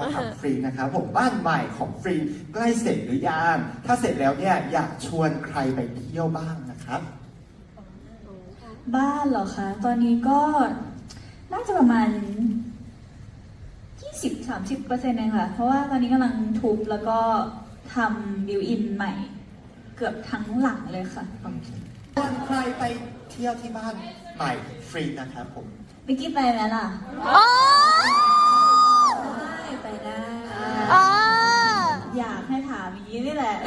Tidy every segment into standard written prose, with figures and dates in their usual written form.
ถามฟรีนะครับผมบ้านใหม่ของฟรีใกล้เสร็จหรือยังถ้าเสร็จแล้วเนี่ยอยากชวนใครไปเที่ยวบ้างนะครับบ้านเหรอคะ ตอนนี้ก็น่าจะประมาณ 20-30%เองค่ะ เพราะว่าตอนนี้กำลังทุบแล้วก็ทำบิวอินใหม่ เกือบทั้งหลังเลยค่ะชวนใครไปเที่ยวที่บ้านใหม่ฟรีนะครับผมมิกกี้ไปไหมล่ะไปได้ อยากให้ถามอย่างนี้นี่แหละ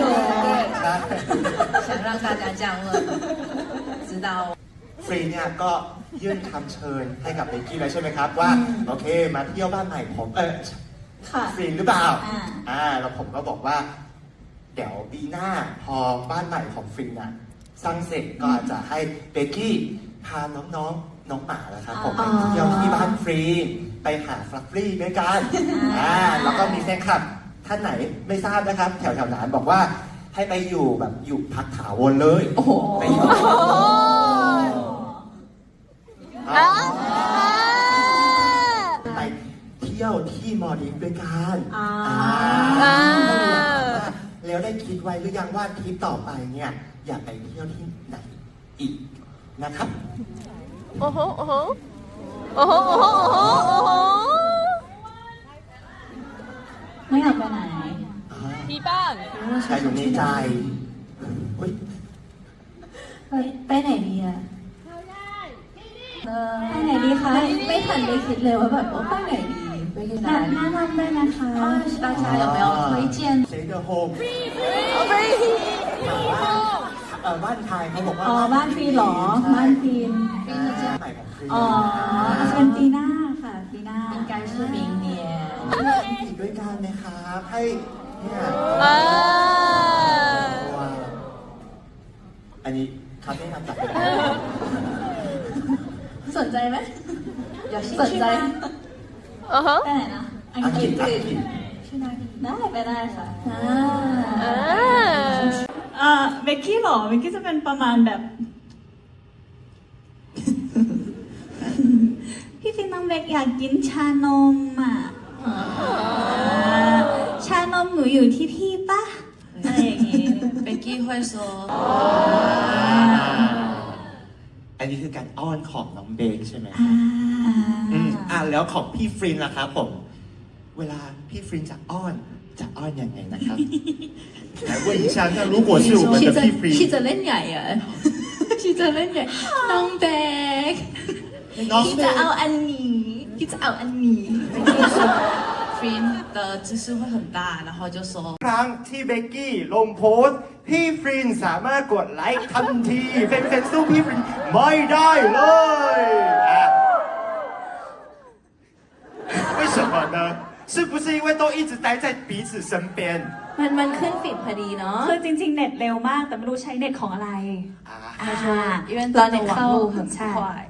想让大家这样问知道ฟรีเนี่ยก็ยื่นคำเชิญให้กับเบกกี้แล้วใช่ไหมครับว่าโอเคมาเที่ยวบ้านใหม่ผมฟรีหรือเปล่าแล้วผมก็บอกว่าเดี๋ยวปีหน้าพอบ้านใหม่ของฟรีน่ะสร้างเสร็จก็อาจจะให้เบกกี้พาน้องหมาแล้วครับผมไปเที่ยวที่บ้านฟรีไปหาฟลัฟฟี่ด้วยกันแล้วก็มีแฟนคลับท่านไหนไม่ทราบนะครับแถวนั้นบอกว่าให้ไปอยู่แบบอยู่พักถาวรเลยไปอยู่ไปเที่ยวที่มอลดีฟด้วยกันแล้วได้คิดไว้หรือยังว่าทริปต่อไปเนี่ยอยากไปเที่ยวที่ไหนอีกนะครับโอ้โหโอ้โหโอ้โหโอ้โหโอ้โหไม่อยากไปไหนที่บ้านแต่อยู่ในใจไปไหนดีอะไปไหนดีคะไม่ทันได้คิดเลยว่าแบบไปไหนดีไปที่ไหนแนะนำได้นะคะ大家有没有推荐谁的 home บ้านใครเขาบอกว่าบ้านฟรีหรอบ้านฟรีใหม่ของฟรีเป็นปีหน้าค่ะปีหน้า应该是明年อีกด้วยกันนะครับให้เนี่ยอันนี้ครับได้นำตัดไปสนใจไหมสนใจไปไหนนะอังกฤษได้ไปได้ค่ะเบกกี้หรอเบกกี้จะเป็นประมาณแบบพี่ฟินน้องเบกอยากกินชานมอ่ะชานมหนูอยู่ที่พี่ปะอะไรอย่างงี้เบกกี้会说อันนี้คือการอ้อนของน้องเบกใช่ไหมแล้วของพี่ฟรินล่ะครับผมเวลาพี่ฟรินจะอ้อนยังไงนะครับ来问一下那如果是我们的พี่ฟรินพี่จะเล่นใหญ่อะพี่จะเล่นใหญ่น้องเบกพี่จะเอาอันนี้พี่จะเอาอันนี้Frin 的姿势会很大然后就说ครั้งที่เบกกี้ลงโพสต์พี่ฟรินสามารถกดไลค์ทันทีแฟนๆสู้พี่ฟรินไม่ได้เลย为什么呢是不是因为都一直待在彼此身边มันขึ้นฟีดพอดีเนาะคือจริงๆเน็ตเร็วมากแต่ไม่รู้ใช้เน็ตของอะไร因为เราเน็ตเข้า很快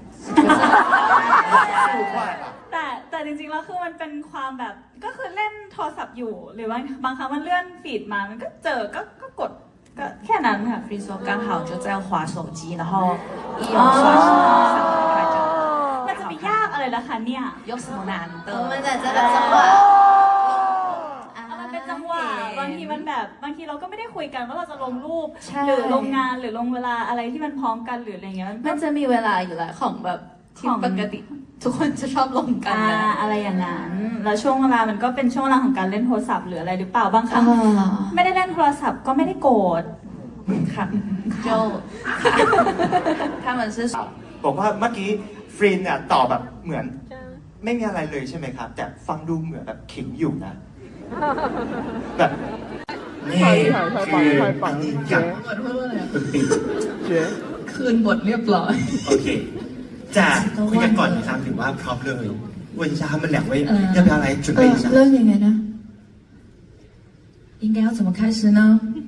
แต่จริงๆแล้วคือมันเป็นความแบบก็คือเล่นโทรศัพท์อยู่หรือว่าบางครั้งมันเลื่อนฟีดมามันก็เจอก็กดก็แค่นั้นค่ะ比如说刚好就在滑手机然后一有刷新上来就มันจะไปยากอะไรล่ะคะเนี่ย有什么难的我们在这个จังหวะมันเป็นจังหวะบางทีมันแบบบางทีเราก็ไม่ได้คุยกันว่าเราจะลงรูปหรือลงงานหรือลงเวลาอะไรที่มันพร้อมกันหรืออะไรเงี้ยมันจะมีเวลาอยู่แล้วของแบบที่ปกติทุกคนจะชอบลงกันอะไรอย่างนั้นแล้วช่วงเวลามันก็เป็นช่วงเวลาของการเล่นโทรศัพท์หรืออะไรหรือเปล่าบางครั้งไม่ได้เล่นโทรศัพท์ก็ไม่ได้โกรธค่ะโจ他们是บอกว่าเมื่อกี้ฟรินเนี่ยตอบแบบเหมือนไม่มีอะไรเลยใช่ไหมครับแต่ฟังดูเหมือนแบบขิงอยู่นะแบบนี่คืออันนี้อย่างคืนบทเรียบร้อยโอเคจะคุยกันก่อนนะครับหรือว่าพร้อมเลย问一下他们两位要不要来准备一下เริ่มยังไงนะ应该要怎么开始呢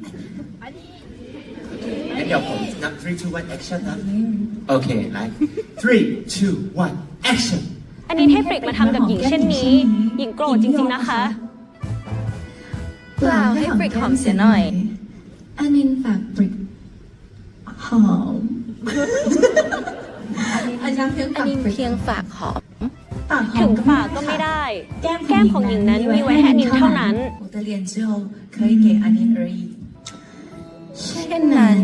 งั้นเดี๋ยวผมนับ3 2 1 action นะโอเคไลฟ์3 2 1 action อันนี้ให้ปริกมาทำกับหญิงเช่นนี้หญิงโกรธจริงๆนะคะเปล่าให้ปริกหอมเสียหน่อยอันนี้ฝากปริกหอมอันนี้เพียงฝากหอมถึงปากก็ไม่ได้ แก้มของหญิงนั้นมีไว้ให้อนินเท่านั้น我的脸只有可以给阿宁而已เช่นนั้น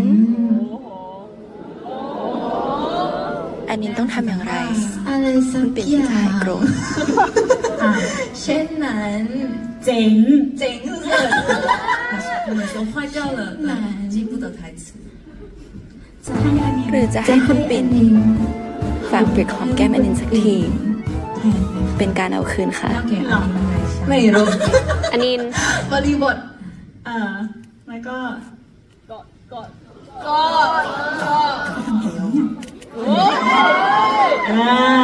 อันนี้ต้องทำอย่างไรอะไรสักอย่างเช่นนั้นเจ๋ง是不是我们说坏掉了记不得台词หรือจะให้คุณปิ่นฝากปริกหอมแก้มอันนินสักทีเป็นการเอาคืนค่ะไม่รู้อนินบริบทแล้วก็ก็